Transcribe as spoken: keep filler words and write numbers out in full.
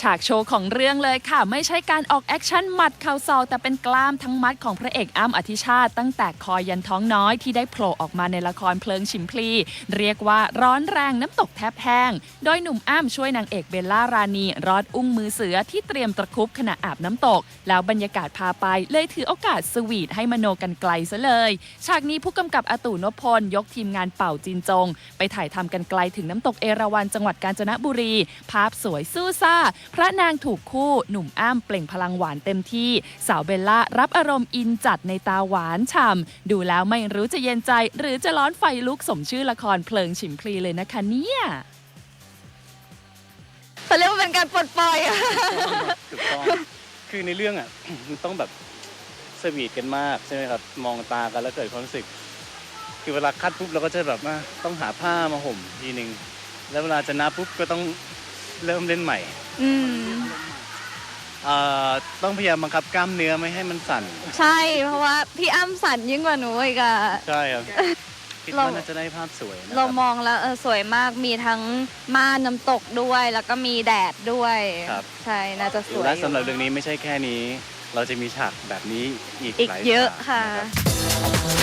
ฉากโชว์ของเรื่องเลยค่ะไม่ใช่การออกแอคชั่นหมัดเข่าศอกแต่เป็นกล้ามทั้งมัดของพระเอกอ้ำอธิชาติตั้งแต่คอยันท้องน้อยที่ได้โผล่ออกมาในละครเพลิงฉิมพลีเรียกว่าร้อนแรงน้ำตกแทบแห้งโดยหนุ่มอ้ำช่วยนางเอกเบลล่ารานีรอดอุ้งมือเสือที่เตรียมตะครุบขณะอาบน้ำตกแล้วบรรยากาศพาไปเลยถือโอกาสสวีทให้มโนกันไกลซะเลยฉากนี้ผู้กำกับอาตู่นพพลยกทีมงานเป่าจินจงไปถ่ายทำกันไกลถึงน้ำตกเอราวัณจังหวัดกาญจนบุรีภาพสวยสู้ซ่าพระนางถูกคู่หนุ่มอ้ำเปล่งพลังหวานเต็มที่สาวเบลล่ารับอารมณ์อินจัดในตาหวานฉ่ำดูแล้วไม่รู้จะเย็นใจหรือจะร้อนไฟลุกสมชื่อละครเพลิงฉิมพลีเลยนะคะเนี่ยเขาเรียกว่าเป็นการปลดปล่อยอะถูกต้องคือในเรื่องอ่ะ มันต้องแบบสวีทกันมากใช่ไหมครับมองตากันแล้วเกิดความรู้สึกคือเวลาคัดปุ๊บเราก็จะแบบว่าต้องหาผ้ามาห่มทีนึงแล้วเวลาจะนับปุ๊บก็ต้องเริ่มเล่นใหม่อืมเอ่อต้องพยายามบังคับกล้ามเนื้อไม่ให้มันสั่นใช่เพราะว่าพี่อ้ำสั่นยิ่งกว่าหนูอีกอะใช่ครับคิดว่าน่าจะได้ภาพสวยนะเรามองแล้วเออสวยมากมีทั้งม่านน้ำตกด้วยแล้วก็มีแดดด้วยใช่น่าจะสวยและสำหรับเรื่องนี้ไม่ใช่แค่นี้เราจะมีฉากแบบนี้อีกอีกเยอะค่ะ